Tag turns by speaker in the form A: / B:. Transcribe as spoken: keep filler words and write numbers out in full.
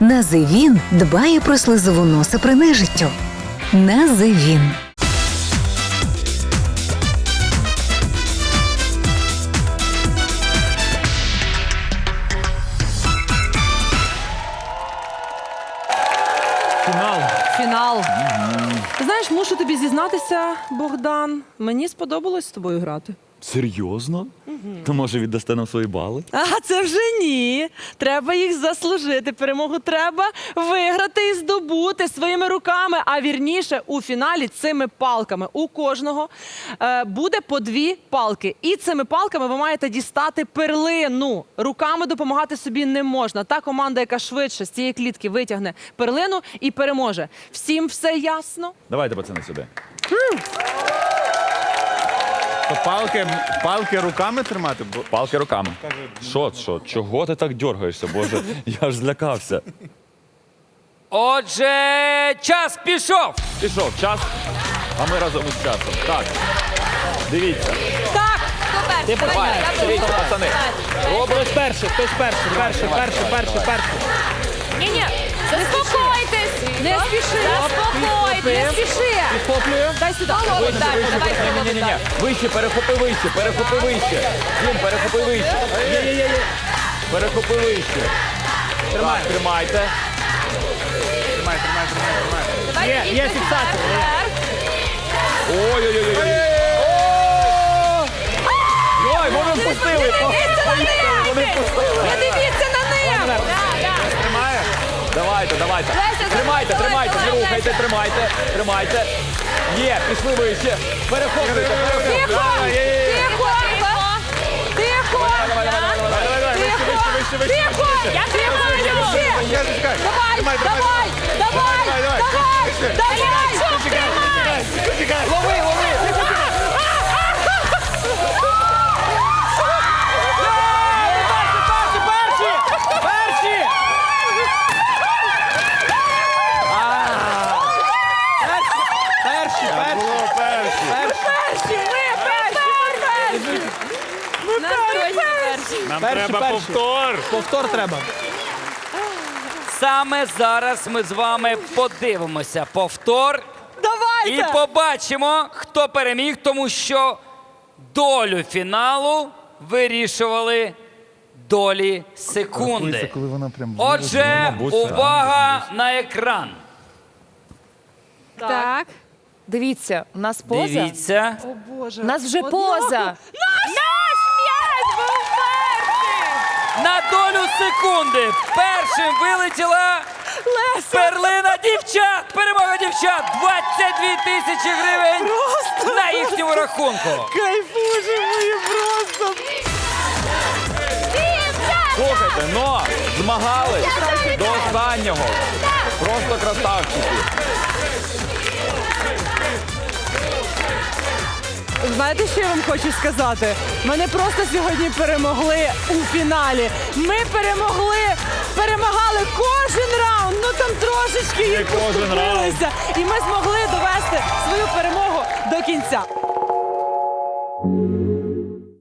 A: Називін дбає про слизову носа при нежиттю. Називін.
B: Фінал.
C: Фінал. Ти знаєш, мушу тобі зізнатися, Богдан. Мені сподобалось з тобою грати.
B: Серйозно? То може віддасте нам свої бали?
C: А це вже ні. Треба їх заслужити. Перемогу треба виграти і здобути своїми руками. А вірніше, у фіналі цими палками у кожного е, буде по дві палки. І цими палками ви маєте дістати перлину. Руками допомагати собі не можна. Та команда, яка швидше з цієї клітки витягне перлину і переможе. Всім все ясно?
B: Давайте, пацани, сюди.
D: То палки, палки руками тримати? Бо...
B: Палки руками. Що, що? Чого ти так дергаєшся, Боже? Я ж злякався.
E: Отже, час пішов.
B: Пішов час, а ми разом із часом. Так, дивіться.
C: Так!
B: Ти давай, дивіться, пацани.
F: Хтось перший, хтось перший, перший, перший, перший, перший.
G: Ні-ні, заспокойтесь! Не спіши! Заспокойтесь, не спіши!
F: Підхоплюю.
G: Дай сюди. Голову дай, давай голову
B: Ні-ні-ні,
G: дай.
B: вище, перехопи вище, перехопи вище. Дім, перехопи вище.
F: Є-є-є.
B: Перехопи вище.
F: Тримай.
B: Так, тримайте.
D: Тримай, тримай, тримай, тримай.
G: Давай,
F: Є,
G: ідіть
F: є
G: вперед,
F: фіксація, є.
G: вперед.
B: Ой-ой-ой. Ой, вони впустили. Вони впустили.
G: Не дивіться на них! Да, да.
D: Тримає?
B: Давайте, давайте.
G: Леся,
B: Тримайте,
G: давай,
B: тримайте,
G: давай,
B: не рухайте,
G: Леся.
B: тримайте, тримайте. Є, пішли вище. Перехоплюйте, перехоплюйте.
G: Тихо! Тихо! Тихо!
B: Давай, давай, давай, давай, давай.
D: Давай, вище, вище, вище, вище.
G: Тихо! Я тихо!
D: Чекай, чекай.
G: Давай!
D: Тримай, тримай,
G: Давай! Давай!
D: Давай, давай.
G: Давай!
D: Вище.
G: Давай!
D: Чекай, чекай.
B: Лови, лови.
F: Перші, перші, перші. Перші, перші,
D: Було перші.
G: Перші! Ми перші! Ми перші! Настройні перші!
D: Нам
F: Перші,
D: треба
F: перші.
D: повтор.
F: Повтор треба.
E: Саме зараз ми з вами подивимося повтор і
C: Давайте!
E: побачимо, хто переміг, тому що долю фіналу вирішували долі секунди.
D: Коли вона прям...
E: Отже, увага на екран.
G: Так. Дивіться, у нас поза.
E: Дивіться.
C: О, Боже.
G: У нас вже
C: Одного.
G: поза. Наш м'яч був перший!
E: На долю секунди першим вилетіла перлина дівчат. Перемога дівчат. двадцять дві тисячі гривень на їхньому рахунку.
C: Кайфуже мої просто!
B: Слухайте, но змагались до останнього. Просто красавчики.
C: Знаєте, що я вам хочу сказати? Мене просто сьогодні перемогли у фіналі. Ми перемогли, перемагали кожен раунд, ну там трошечки їх
B: кожен раунд.
C: поступилися. І ми змогли довести свою перемогу до кінця.